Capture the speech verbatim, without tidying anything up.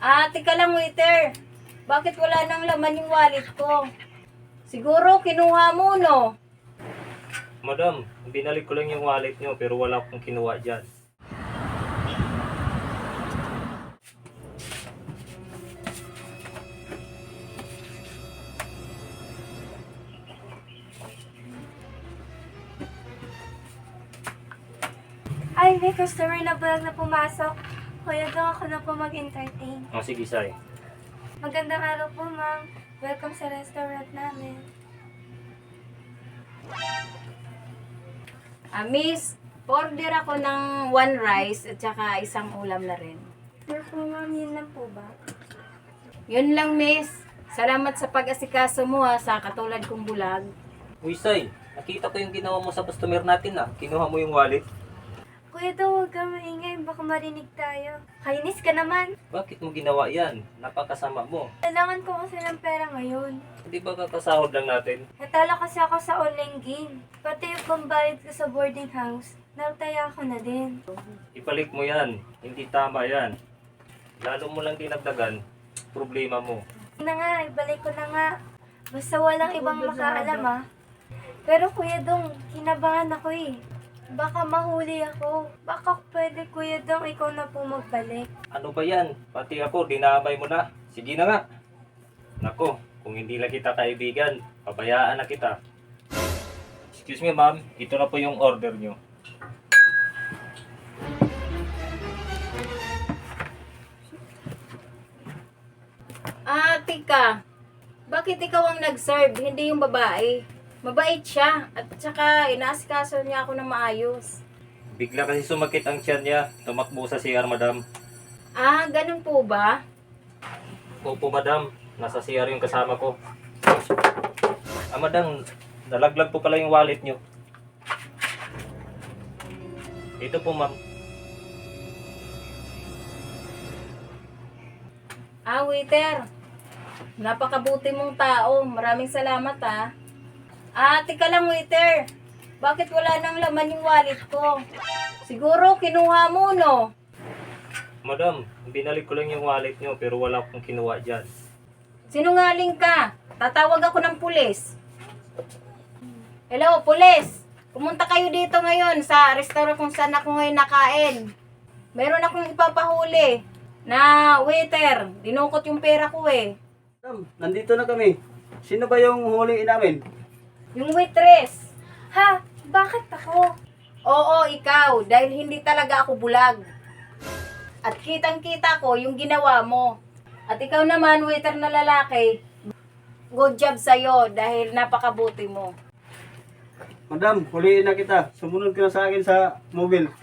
Ah, teka lang, waiter. Bakit wala nang laman yung wallet ko? Siguro kinuha mo, no? Madam, binalik ko lang yung wallet nyo pero wala akong kinuha dyan. Ay, may customer na vlog na pumasok. Kuya, doon ako na po mag-entertain. O sige, Sai. Magandang araw po, ma'am. Welcome sa restaurant namin. Ah, miss, order ako ng one rice at saka isang ulam na rin. Sure po, ma'am. Yun lang po ba? Yun lang, miss. Salamat sa pag-asikaso mo ha, sa katulad kong bulag. Uy, Sai. Nakita ko yung ginawa mo sa customer natin ah. Kinuha mo yung wallet. Kuya, daw huwag kang maingay. Baka marinig tayo. Kainis ka naman. Bakit mo ginawa yan? Napakasama mo. Kailangan ko kasi ng pera ngayon. Hindi ba kakasahod lang natin? Natalo kasi ako sa online game. Pati yung pambayad ko sa boarding house, nautaya ko na din. Ibalik mo yan. Hindi tama yan. Lalo mo lang dinagdagan, problema mo. Yun na nga, ibalik ko na nga. Basta walang ibang makaalam ah. Pero Kuya Dong, kinabahan ako eh. Baka mahuli ako. Baka pwede Kuya Dong, ikaw na po magbalik. Ano ba yan? Pati ako, dinamay mo na. Sige na nga. Nako, kung hindi lang kita kaibigan, pabayaan na kita. Excuse me ma'am, ito na po yung order nyo. Ah, tika. Bakit ikaw ang nag-serve, hindi yung babae? Mabait siya at saka inaasikaso niya ako ng maayos. Bigla kasi sumakit ang tiyan niya, tumakbo sa C R madam. Ah, ganun po ba? Opo madam, nasa C R yung kasama ko. Ah madam, nalaglag po pala yung wallet nyo. Ito po ma'am. Ah, waiter. Napakabuti mong tao. Maraming salamat ah. Ah, tika lang waiter. Bakit wala nang laman yung wallet ko? Siguro kinuha mo, no? Madam, binalik ko lang yung wallet nyo pero wala akong kinuha dyan. Sinungaling ka. Tatawag ako ng pulis. Hello, pulis. Pumunta kayo dito ngayon sa restaurant kung saan ako ngayon nakain. Meron akong ipapahuli na waiter. Dinukot yung pera ko eh. Madam, nandito na kami. Sino ba yung huliin namin? Yung waitress. Ha? Bakit ako? Oo, ikaw. Dahil hindi talaga ako bulag. At kitang-kita ko yung ginawa mo. At ikaw naman, waiter na lalaki, good job sa'yo dahil napakabuti mo. Madam, huliin na kita. Sumunod ka na sa akin sa mobile.